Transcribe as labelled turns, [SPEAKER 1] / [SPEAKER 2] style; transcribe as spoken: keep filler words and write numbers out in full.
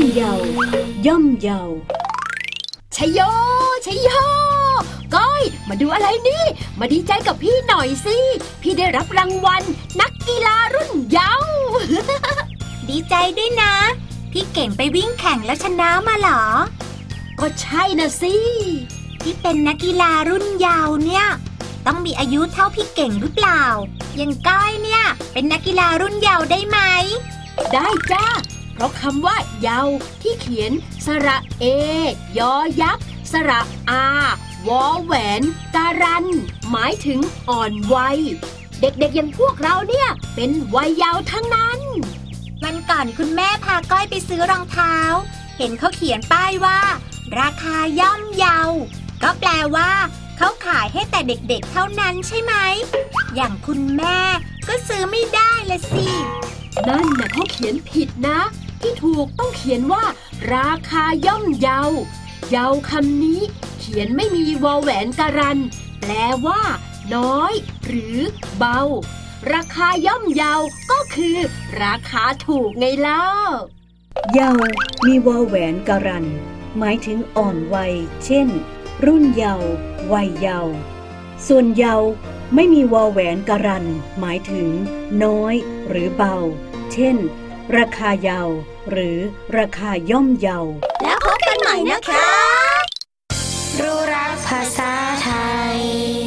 [SPEAKER 1] เยาย่อมเยาชัยโยชัยโยก้อยมาดูอะไรนี่มาดีใจกับพี่หน่อยสิพี่ได้รับรางวัลนักกีฬารุ่นเยาว์
[SPEAKER 2] ดีใจด้วยนะพี่เก่งไปวิ่งแข่งแล้วชนะมาเหรอ
[SPEAKER 1] ก็ใช่นะสิ
[SPEAKER 2] ที่เป็นนักกีฬารุ่นเยาว์เนี่ยต้องมีอายุเท่าพี่เก่งหรือเปล่ายังก้อยเนี่ยเป็นนักกีฬารุ่นเยาว์ได้ไหม
[SPEAKER 1] ได้จ้าเพราะคำว่าเยาว์ที่เขียนสระเอยอยักษ์สระอาวอแหวนการันหมายถึงอ่อนวัยเด็กๆอย่างพวกเราเนี่ยเป็นวัยเยาว์ทั้งนั้น
[SPEAKER 2] วันก่อนคุณแม่พาก้อยไปซื้อรองเท้าเห็นเขาเขียนป้ายว่าราคาย่อมเยาก็แปลว่าเขาขายให้แต่เด็กๆเท่านั้นใช่ไหมอย่างคุณแม่ก็ซื้อไม่ได้ละสิ
[SPEAKER 1] นั่นน่ะเขาเขียนผิดนะที่ถูกต้องเขียนว่าราคาย่อมเยาเยาคำนี้เขียนไม่มีวอแหวนการันแปลว่าน้อยหรือเบาราคาย่อมเยาก็คือราคาถูกไงเล่า
[SPEAKER 3] เยามีวอแหวนการันหมายถึงอ่อนวัยเช่นรุ่นเยาว์วัยเยาว์ส่วนเยาว์ไม่มีวอแหวนการันหมายถึงน้อยหรือเบาเช่นราคาเยาว์หรือราคาย่อมเยาว์
[SPEAKER 2] แล้วพบกันใหม่นะคะ
[SPEAKER 4] รู้รักภาษาไทย